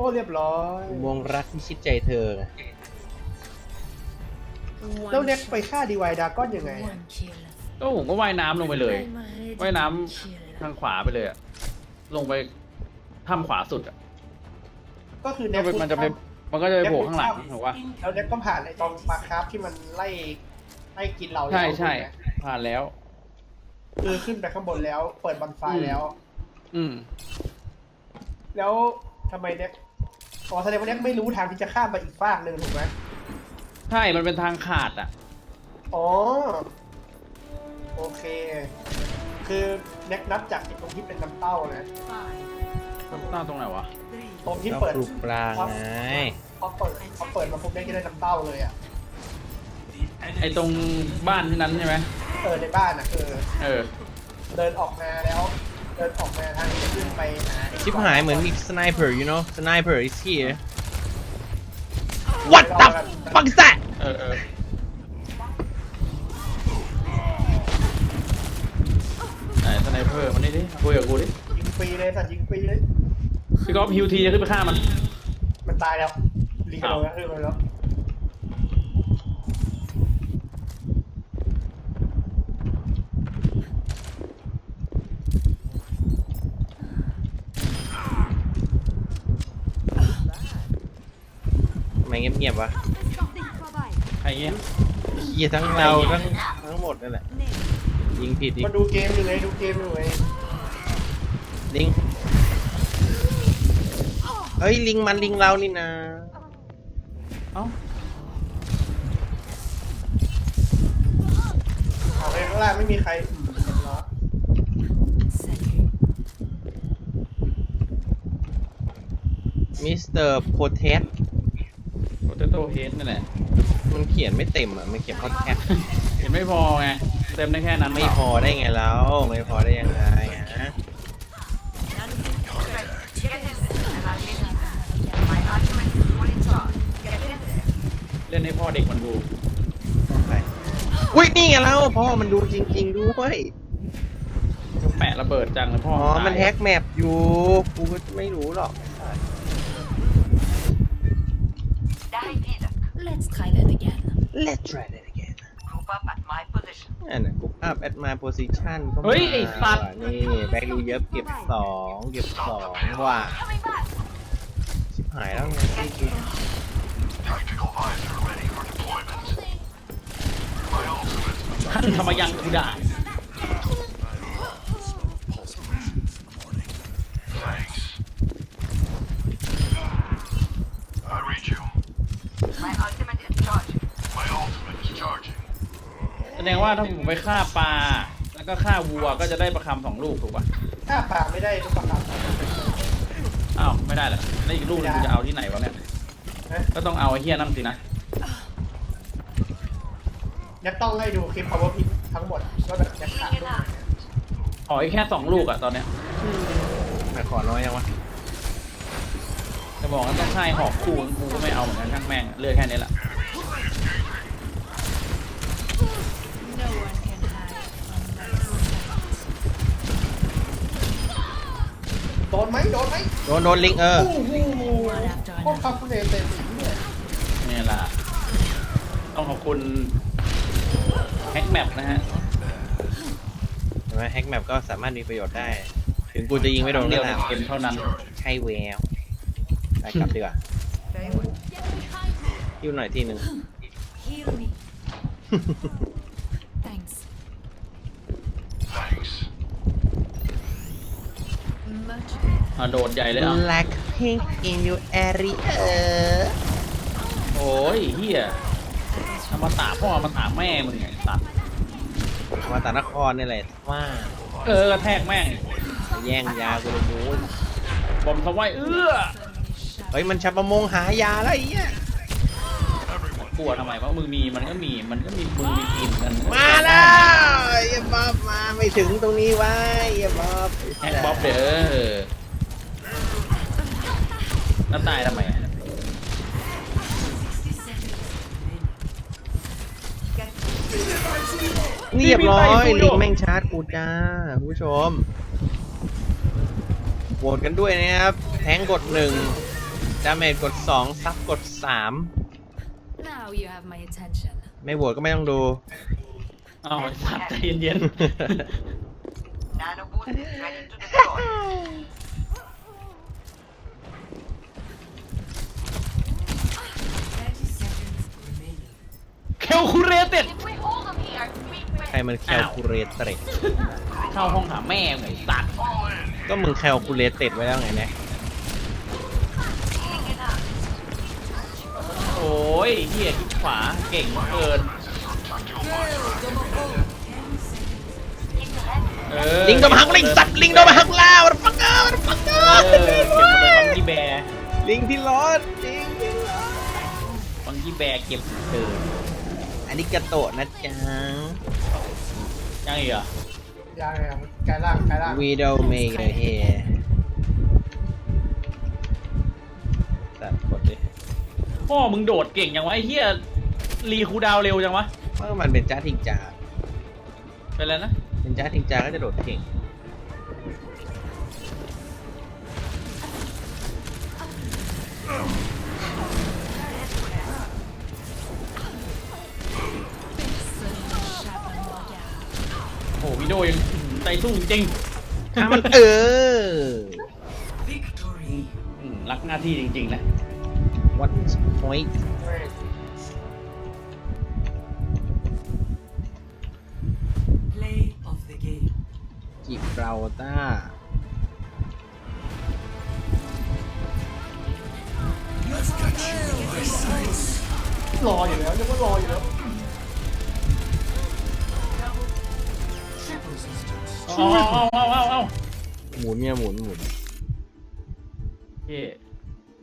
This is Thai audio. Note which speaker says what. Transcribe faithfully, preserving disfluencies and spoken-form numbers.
Speaker 1: อ้เรียบร้อย
Speaker 2: วงรักที่ชิดใจเธอ
Speaker 1: แล้วเน็กไปฆ่าดีวายดาก้อนยังไง
Speaker 3: ก็ผมก็ว่ายน้ำลงไปเลยว่ายน้ำทางขวาไปเลยอะลงไปถ้ำขวาสุดอะ
Speaker 1: ก็คือ
Speaker 3: ก็
Speaker 1: เน็ก
Speaker 3: มันจะไปมันก็จะไปโผล่ข้างหลังถูกปะ
Speaker 1: แล้วเน็กก็ผ่านไอ้ตอนปลาคราฟที่มันไล่ไล่กินเรา
Speaker 3: ใช่ใช่ผ่านแล้ว
Speaker 1: คือขึ้นไปข้างบนแล้วเปิดบันไฟแล้ว
Speaker 3: อืม
Speaker 1: แล้วทำไมเน็กอ๋อแสดงว่าเน็กไม่รู้ทางที่จะข้ามไปอีกฟากหนึ่งถูกไหม
Speaker 3: ใช่มันเป็นทางขาดอะ
Speaker 1: อ๋อโอเค คือเน็กนับจากตรงที่เป็นน้ำเต้านะ
Speaker 3: น้ำเต้าตรงไหนวะ
Speaker 1: ตรงที่
Speaker 2: ก็
Speaker 1: เปิด
Speaker 2: ปลูกปลาไง
Speaker 1: พอเปิดพอเปิดมาปุ๊บเน็กจะได้น้ำเต้าเลยอ่ะ
Speaker 3: ไอตรงบ้านที่นั้นใช่ไหม
Speaker 1: เออในบ้านอ่ะเออ
Speaker 3: เออ
Speaker 1: เดินออกมาแล้ว เดินออกมาทางที่จะขึ้นไปหาไอ้
Speaker 2: ชิบหายเหมือนมี sniper you know sniper is here what the fuck is that
Speaker 3: เออเออไหนสไนเปอร์มันนี่ดิคุยกับกูดิ
Speaker 1: ยิงฟรีเลยสัตว์ยิงฟรีเลย
Speaker 3: พี่ก๊อฟฮิวทีจะขึ้นไปฆ่ามัน
Speaker 1: มันตายแล้วลิงกระโดดแล้วขึ้นมาแล้ว
Speaker 2: ทำไมเงียบๆวะ
Speaker 3: ไอ้เงี้ย
Speaker 2: เหี้ยทั้งเราทั้งทั้งหมดนั่นแหละยิงผิดอีก
Speaker 1: มาดูเกมอยู่ไงดูเกมอยู่ไง
Speaker 2: ลิงเฮ้ยลิงมันลิงเรานี่นะ
Speaker 3: เอ้า
Speaker 1: เอาไปข้างล่างไม่มีใครอืมเรียบร้อย
Speaker 2: มิสเตอร์โพเทส
Speaker 3: โปเตโต้เฮดนั่นแหละ
Speaker 2: มันเขียนไม่เต็มอ่ะมันเขียนพอดแคสต์
Speaker 3: เห็นไม่พอไงเต็มได้แค่นั้น
Speaker 2: ไม่พอได้ไงแล้วไม่พอได้ยังไงฮะ
Speaker 3: เล่นให้พ่อเด็กมันดู
Speaker 2: อุ้ยนี่ไงแล้วพ่อมันดูจริงๆด้วย
Speaker 3: แปะระเบิดจังเลยพ่อ
Speaker 2: อ๋อมันแฮกแมปอยู่กูก็ไม่รู้หรอก
Speaker 4: Let's try that again.
Speaker 2: Let's try that again
Speaker 5: Group up at my position.
Speaker 2: อันนั้นกูอัพ at my position ก็มา
Speaker 3: เฮ้ยไอ้สัตว์
Speaker 2: ว่ะนี่แบกดูเยอะเก็บสองเก็บสองว่ะชิบหายแล้วไง
Speaker 6: Tactical visor ready for deployment. My ultimate.
Speaker 3: ท่านทำไมยังกูด่า
Speaker 6: Thanks. I read you.
Speaker 5: My ultimate is charged.
Speaker 6: My ultimate is charging.
Speaker 3: แสดงว่าถ้าผมไปฆ่าปลาแล้วก็ฆ่าวัวก็จะได้ประคำสองลูกถูกป่ะ
Speaker 1: ถ้าปากไม่ได้ทุกประการ
Speaker 3: อ้าวไม่ได้เหรอแล้วอีกลูกนึงกูจะเอาที่ไหนวะเนี่ย
Speaker 1: นะ
Speaker 3: ก็ต้องเอาไอ้เฮียนั่นสินะ
Speaker 1: เน็กต้องให้ดูคลิป power pick ทั้งหมดว่าแบบเน็กขาดตรงไหน
Speaker 3: ขออีกแค่สองลูกอะตอนเนี้ย
Speaker 2: แม่ขอน้อยยังวะ
Speaker 3: จะบอกว่าต้องใช่หอกคู่กูก็ไม่เอาเหมือนกันช่างแม่งเลือกแค่นี้แหละ
Speaker 4: No one can hide from my sight.
Speaker 1: โดนไหมโดนไหม
Speaker 2: โดนโดนลิงเออ
Speaker 1: โอ้โหโคตรคาคูเลเต็มเลย
Speaker 3: นี่แหละต้องขอบคุณแฮกแมปนะฮะ
Speaker 2: ใช่ไหมแฮกแมปก็สามารถมีประโยชน์ได้ ถึงกูจะยิงไม่โดน
Speaker 3: เดี
Speaker 2: ก็
Speaker 3: ยวใน
Speaker 2: ตาม
Speaker 3: เกมเท่านั้น
Speaker 2: ใช่แววไปกลับดีกว่ายิ้วหน่อยทีหนึ่ง
Speaker 4: Heal me. Thanks.
Speaker 6: Thanks.
Speaker 4: Much
Speaker 3: อ่ะโดดใหญ่เลยอ่ะ
Speaker 2: Black pink in your area
Speaker 3: โอ้ยเฮียเอามาตาพ่อมาตาแม่มึงไงตัด
Speaker 2: มาตานครนี่แหละว่า
Speaker 3: เออกระแทกแม่ง
Speaker 2: แย่งยากูเลยมูน
Speaker 3: บอมสวายเอื้อ
Speaker 2: เฮ้ยมันชับประมงหายาแล้วไอ้เหี้ย
Speaker 3: กลัวทำไมวะมึงมีมันก็มีมันก็มีมึงมีทีมกัน
Speaker 2: มาแล้วไอ้บ๊อบมาไม่ถึงตรงนี้ไว้ไอ้บ๊อบ
Speaker 3: แฮกบ๊อบเด้อแล้วตายทำไมอะ
Speaker 2: เรียบร้อยลิงแม่งชาร์จกูจ้าคุณผู้ชมโหวตกันด้วยนะครับแทงกดหนึ่งดาเมจกดสองซับกดสาม
Speaker 4: Now you have my attention.
Speaker 2: ไม่โหวตก็ไม่ต้องดู
Speaker 3: เอาไอ้สัตว์ใจเย็น
Speaker 5: Nano boost is ready to deploy.
Speaker 4: thirty seconds remaining.
Speaker 3: ๆเคลคูเรเต็ด
Speaker 5: If we hold them here, we
Speaker 2: ใครมันแคลคูลเลเตด
Speaker 3: เข้าห้องหาแม่งไอ้สัตว์
Speaker 6: Fall in.
Speaker 2: ก็มึงแคลคูลเลเตดไว้แล้วไงเนี่ย
Speaker 3: โอ้ยเฮียคลิกขวาเก่งเกิน เออ
Speaker 2: ลิงโดนมาหักลิงสัตว์ลิงโดนมาหักล่าวันฟังเกอร์วันฟังเกอ
Speaker 3: เอ
Speaker 2: ร์
Speaker 3: อเก็บมาเลยบังกี้แบร์
Speaker 2: ลิงที่ร้อนลิงที่ร้อน
Speaker 3: บังกี้แบร์เก็บเกิน
Speaker 2: อันนี้กระโตะนะจ๊ะ
Speaker 3: ยังอีกเหรอ
Speaker 1: ยังไงกายล่างกายล่าง
Speaker 2: วีด o เมกเฮสัตว์กดดิ
Speaker 3: พ่อมึงโดดเก่งยังวะไอ้เฮียรีคูลดาวน์เร็วจังวะ
Speaker 2: เพราะมันเป็นจ้าทิงจา
Speaker 3: เป็นไรนะ
Speaker 2: เป็นจ้าทิงจาก็จะโดดเก่ง
Speaker 3: โอ้วิดีโอยังใจสู้จริง
Speaker 2: ถ้ามันเออ
Speaker 3: อืมรักหน้าที่จริงๆนะ
Speaker 2: what point
Speaker 1: เฮ้ย
Speaker 7: Play of the game.
Speaker 2: จิบราลตาร์
Speaker 1: รออยู่แล้วยังว่ารออยู่แล้ว
Speaker 3: เอาเอาเอาเอาเอา
Speaker 2: หมุนเนี่ยหมุนหมุน
Speaker 3: เฮ้